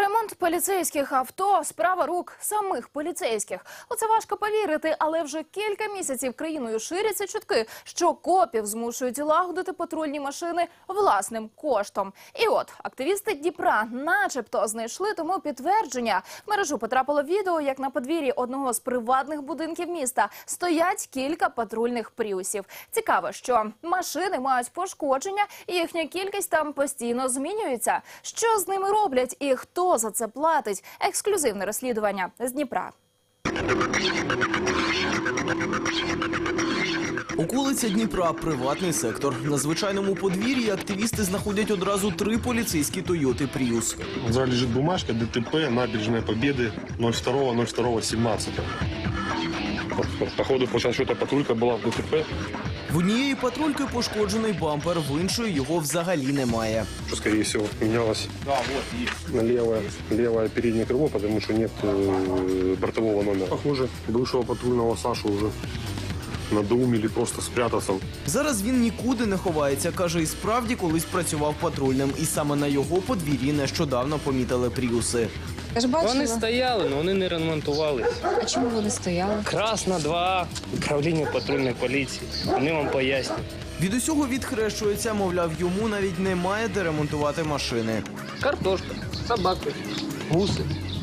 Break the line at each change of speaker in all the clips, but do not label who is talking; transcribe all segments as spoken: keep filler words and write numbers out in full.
Ремонт поліцейських авто – справа рук самих поліцейських. У це важко повірити, але вже кілька місяців країною ширяться чутки, що копів змушують лагодити патрульні машини власним коштом. І от, активісти Дніпра начебто знайшли тому підтвердження. В мережу потрапило відео, як на подвір'ї одного з приватних будинків міста стоять кілька патрульних пріусів. Цікаво, що машини мають пошкодження, і їхня кількість там постійно змінюється. Що з ними роблять і хто за це платить? Ексклюзивне розслідування з Дніпра.
Околиця Дніпра – приватний сектор. На звичайному подвір'ї активісти знаходять одразу три поліцейські Тойоти Пріус.
Зараз лежить бумажка ДТП, набережная Победы, ноль два ноль два семнадцать. Походу, получается, что-то патрулька была в ДТП.
В однієї патрульки пошкоджений бампер, в іншої його взагалі немає.
Что, скорее всего, менялось да, вот, на левое, левое переднее крыло, потому что нет э, бортового номера. Похоже, бывшего патрульного Сашу уже надоумили просто спрятаться.
Зараз він нікуди не ховається. Каже, і справді колись працював патрульним. І саме на його подвір'ї нещодавно помітили Пріуси.
Вони стояли, але вони не ремонтувалися.
А чому вони стояли?
Красна два, управління патрульної поліції. Вони вам пояснять.
Від усього відхрещується, мовляв, йому навіть немає де ремонтувати машини.
Картошка, собаки, гуси.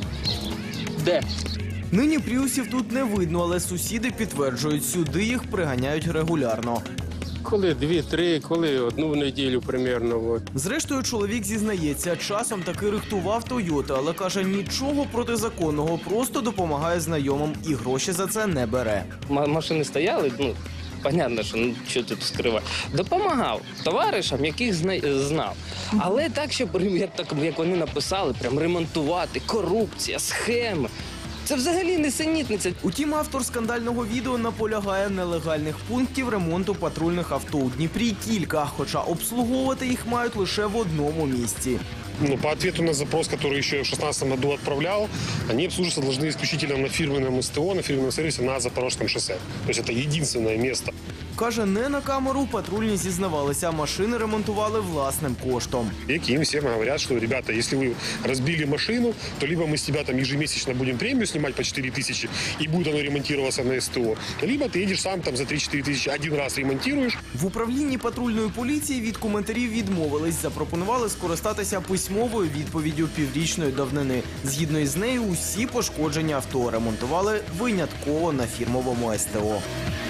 Де?
Нині Пріусів тут не видно, але сусіди підтверджують, сюди їх приганяють регулярно.
Коли дві-три, коли одну в неділю примерно. От.
Зрештою, чоловік зізнається, часом таки рихтував Тойоти, але каже, нічого протизаконного, просто допомагає знайомим і гроші за це не бере.
М- машини стояли, ну, понятно, що ну, що тут скривати. Допомагав товаришам, яких зна- знав. Але так, щоб, як, так, як вони написали, прям ремонтувати, корупція, схеми. Це взагалі несенітниця.
Утім, автор скандального відео наполягає, нелегальних пунктів ремонту патрульних авто у Дніпрі кілька, хоча обслуговувати їх мають лише в одному місці.
Ну, по ответу на запрос, который еще в шестнадцатом году отправлял, они обслуживаться должны исключительно на фирменном СТО, на фирменном сервисе на Запорожском шоссе. То есть это единственное место.
Каже, не на камеру патрульні зізнавалися, машини ремонтували власним коштом.
И им всем говорят, что, ребята, если вы разбили машину, то либо мы с тебя там ежемесячно будем премию снимать по четыре тысячи, и будет оно ремонтироваться на СТО, либо ты едешь сам там за три-четыре тысячи один раз ремонтируешь.
В управлінні патрульної поліції від коментарів відмовились, запропонували скористатися письмовою відповіддю піврічної давнини. Згідно із нею, усі пошкодження авто ремонтували винятково на фірмовому СТО.